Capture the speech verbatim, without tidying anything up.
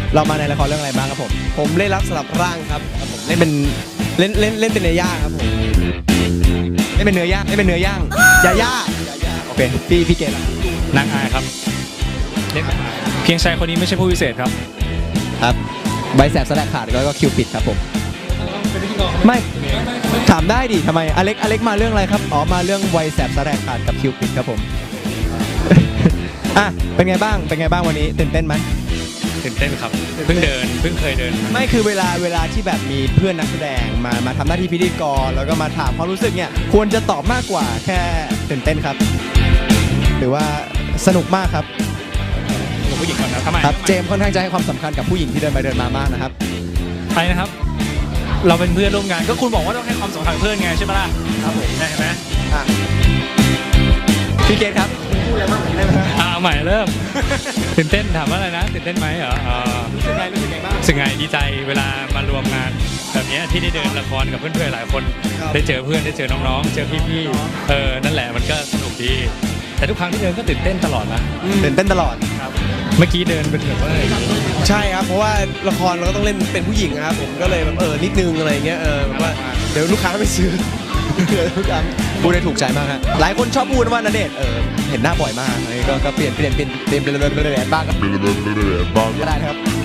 เรามาในละครเรื่องอะไรบ้างครับผมผมเล่นรับสลับร่างครับผมเล่นเป็นเล่นเล่นเล่นเป็นเนื้อย่างครับผมเล่นเป็นเนื้อย่างเล่นเป็นเนื้อย่างยาย่าโอเคพี่พี่เกดล่ะนางอายครับเล่นเพียงชายคนนี้ไม่ใช่ผู้พิเศษครับครับใบแสบสแลกขาดแล้วก็คิวปิดครับผมไม่ถามได้ดิทำไมอเล็กอเล็กมาเรื่องอะไรครับอ๋อมาเรื่องไวแสบสแลกขาดกับคิวปิดครับผม อ่ะเป็นไงบ้างเป็นไงบ้างวันนี้ตื่นเต้นไหมตื่นเต้นครับเพิ่งเดินเพิ่งเคยเดินไม่คือเวลาเวลาที่แบบมีเพื่อนนักแสดงมามาทำหน้าที่พิธีกรแล้วก็มาถามความรู้สึกเนี่ยควรจะตอบมากกว่าแค่ตื่นเต้นครับ หรือว่าสนุกมากครับผมผู้หญิงก่อนนะทำไมครับเจมส์ค่อนข้างจะให้ความสำคัญกับผู้หญิงที่เดินไปเดินมามากนะครับไปนะครับ เราเป็นเพื่อนร่วมงานก็คุณบอกว่าต้องให้ความสำคัญกับเพื่อนไงใช่ไหมล่ะครับผมใช่ไหมอ่ะพี่เกดครับพูดอะไรบ้างได้ไหมครับอ่าเอาใหม่เริ่ม ตื่นเต้นถามว่าอะไรนะตื่นเต้นไหมเหรออ่ารู้สึกไงรู้สึกไงบ้างรู้สึกไงดีใจเวลามารวมงานแบบเนี้ยที่ได้เดินละครกับเพื่อนๆหลายคนครับได้เจอเพื่อนได้เจอน้องๆ เจอพี่ๆเออนั่นแหละมันก็สนุกดี แต่ทุกครั้งที่เดินก็ตื่นเต้นตลอดนะตื่นเต้นตลอดเมื่อกี้เดินเป็นแบบว่าใช่ครับเพราะว่าละครเราก็ต้องเล่นเป็นผู้หญิงนะครับผมก็เลยแบบเออนิดนึงอะไรเงี้ยเออแบบว่าเดี๋ยวลูกค้าไม่ซื้อเดี๋ยวทุกครั้งพูดได้ถูกใจมากฮะหลายคนชอบพูดว่าณเดชน์เออเห็นหน้าบ่อยมากอันนี้ก็ก็เปลี่ยนเปลี่ยนเปลี่ยนเปลี่ยนเปลี่ยนเปลี่ยนบ้างก็ได้นะครับ